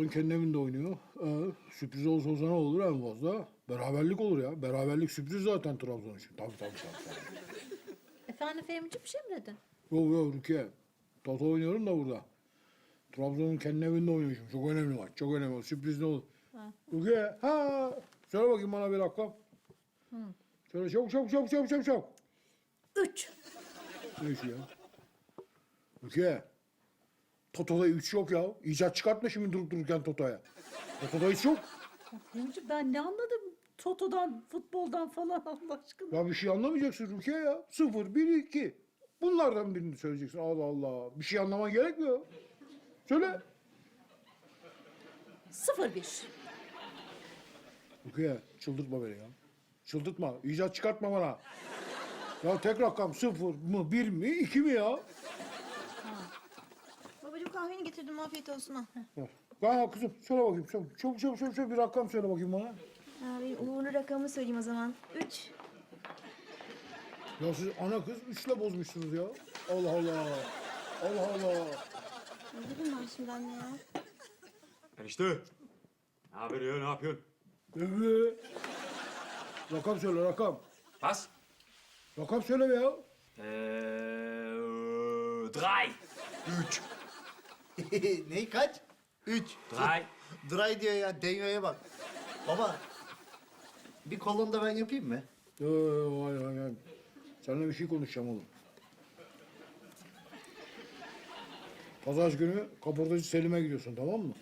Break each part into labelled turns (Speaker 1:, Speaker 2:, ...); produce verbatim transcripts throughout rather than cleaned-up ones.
Speaker 1: Trabzon kendi evinde oynuyor. Ee, sürpriz olsa olsa ne olur en fazla? Beraberlik olur ya. Beraberlik sürpriz zaten Trabzon için. Tabii tabii tabii. tabii.
Speaker 2: Efendim Fehmi'ciğim bir şey mi dedin?
Speaker 1: Yok yok Rukiye. Toto oynuyorum da burada. Trabzon'un kendi evinde oynuyorum. Çok önemli maç. Çok önemli. Sürpriz ne olur?
Speaker 2: Ha.
Speaker 1: Rukiye. Ha. Söyle bakayım bana bir rakam.
Speaker 2: Hı.
Speaker 1: Söyle çabuk çabuk çabuk çabuk çabuk çabuk.
Speaker 2: Üç.
Speaker 1: Ne işi ya? Rukiye. Toto'da üç yok ya. İcat çıkartma şimdi durup dururken Toto'ya. Toto'da üç yok.
Speaker 2: Fehmi'ciğim ben ne anladım? Toto'dan, futboldan falan Allah aşkına.
Speaker 1: Ya bir şey anlamayacaksın Rukiye ya. Sıfır, bir, iki. Bunlardan birini söyleyeceksin. Allah Allah. Bir şey anlaman gerekmiyor. Söyle.
Speaker 2: Sıfır bir.
Speaker 1: Rukiye çıldırtma beni ya. Çıldırtma. İcat çıkartma bana. Ya tek rakam sıfır mı, bir mi, iki mi ya?
Speaker 3: Babacığım kahveni getirdim afiyet olsun ha.
Speaker 1: Ver. Ya kızım söyle bakayım. Çabuk çabuk çabuk çabuk, çabuk bir rakam söyle bakayım bana.
Speaker 3: Abi uğurlu rakamı söyleyeyim o zaman. Üç.
Speaker 1: Ya siz ana kız üçle bozmuşsunuz ya. Allah Allah. Allah Allah.
Speaker 3: Ne dedim ben şimdi anne ya?
Speaker 4: Enişte. Ne haber ya, ne yapıyorsun?
Speaker 1: Evet. Rakam söyle rakam.
Speaker 4: Was?
Speaker 1: Rakam söyle be ya.
Speaker 4: Ee, drei. Üç.
Speaker 5: Ney kaç? Üç.
Speaker 4: Drei.
Speaker 5: Dry diyor ya, Denyo'ya bak. Baba, bir kolonu da ben yapayım mı?
Speaker 1: Ee, vay vay vay. Seninle bir şey konuşacağım oğlum. Pazar günü kaportacı Selim'e gidiyorsun tamam mı?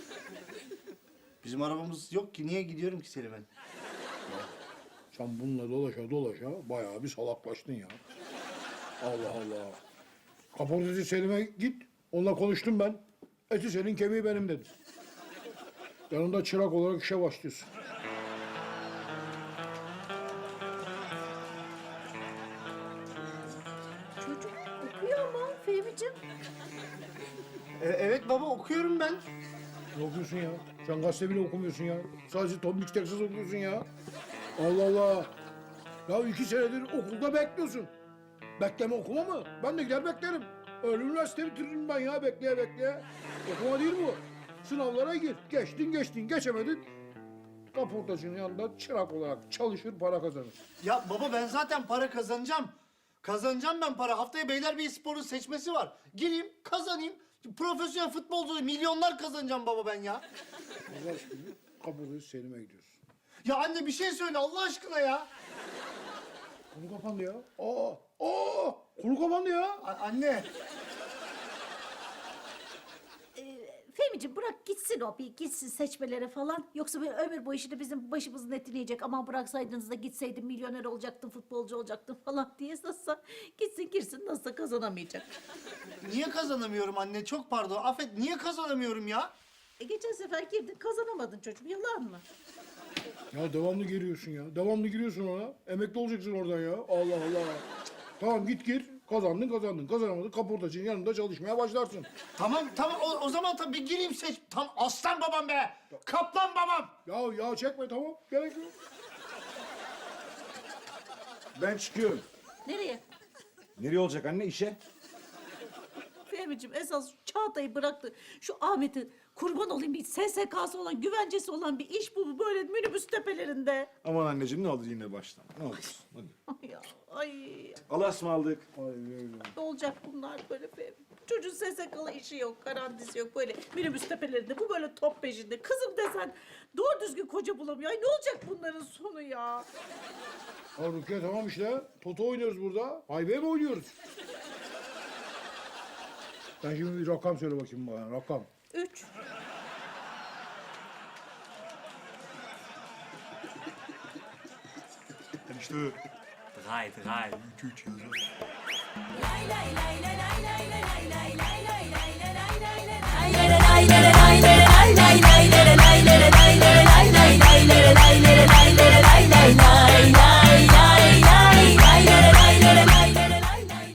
Speaker 5: Bizim arabamız yok ki, niye gidiyorum ki Selim'e?
Speaker 1: Sen bununla dolaşa dolaşa bayağı bir salaklaştın ya. Allah Allah. Kaportacı Selim'e git. Onunla konuştum ben. Eti senin kemiği benim dedi. Yanında çırak olarak işe başlıyorsun.
Speaker 2: Çocuk okuyor ama Fehmi'ciğim.
Speaker 5: E, evet baba, okuyorum ben.
Speaker 1: Ne okuyorsun ya? Sen gazete bile okumuyorsun ya. Sadece Tom Mix Texas okuyorsun ya. Allah Allah. Ya iki senedir okulda bekliyorsun. Bekleme okuma mı? Ben de gider beklerim. Öyle üniversite bitiririm ben ya bekleye bekleye. Okuma değil bu. Sınavlara gir. Geçtin geçtin geçemedin. Kaportacının yanında çırak olarak çalışır para kazanır.
Speaker 5: Ya baba ben zaten para kazanacağım. Kazanacağım ben para. Haftaya Beylerbeyi Spor'un seçmesi var. Gireyim, kazanayım. Profesyonel futbolcu milyonlar kazanacağım baba ben ya.
Speaker 1: Pazar günü kaportacı Selim'e gidiyorsun.
Speaker 5: Ya anne bir şey söyle Allah aşkına ya.
Speaker 1: Konu kapandı ya. Aa, aa, konu kapandı ya.
Speaker 5: A- anne.
Speaker 2: Fehmi'ciğim bırak gitsin o bir gitsin seçmelere falan. Yoksa böyle ömür boyu şimdi bizim başımızın etini yiyecek. Aman bıraksaydınız da gitseydim milyoner olacaktım, futbolcu olacaktım falan diye nasılsa gitsin girsin nasılsa kazanamayacak.
Speaker 5: Niye kazanamıyorum anne? Çok pardon. Affet. Niye kazanamıyorum ya?
Speaker 2: E geçen sefer girdin kazanamadın çocuğum yalan mı?
Speaker 1: Ya devamlı giriyorsun ya. Devamlı giriyorsun ona. Emekli olacaksın oradan ya. Allah Allah. Tamam git gir. Kazandın kazandın. Kazanamadın kaportacının yanında çalışmaya başlarsın.
Speaker 5: Tamam tamam o, o zaman tabii gireyim seç. Tam aslan babam be. Kaplan babam.
Speaker 1: Ya ya çekme tamam. Gerek yok.
Speaker 6: Ben çıkıyorum.
Speaker 2: Nereye?
Speaker 6: Nereye olacak anne işe?
Speaker 2: Fehmi'ciğim esas Çağatay'ı bıraktı. Şu Ahmet'i kurban olayım bir S S K'sı olan, güvencesi olan bir iş bu böyle minibüs tepelerinde.
Speaker 6: Aman anneciğim ne olur yine baştan. Ne olursun hadi.
Speaker 2: Ay ya, ay
Speaker 6: Allah'a ısmarladık.
Speaker 2: ne olacak bunlar böyle Fehmi? Çocuğun S S K'lı işi yok, garantisi yok böyle minibüs tepelerinde. Bu böyle top peşinde. Kızım desen doğru düzgün koca bulamıyor. Ay ne olacak bunların sonu ya?
Speaker 1: Ya Rukiye tamam işte. Toto oynuyoruz burada. Highway mi oynuyoruz? Sen şimdi bir rakam söyle bakayım bana. Rakam.
Speaker 2: Üç.
Speaker 4: Enişte. Drei, drei. Üç, üç yazıyor.
Speaker 7: Lay lay lay lay lay lay lay lay lay lay lay lay lay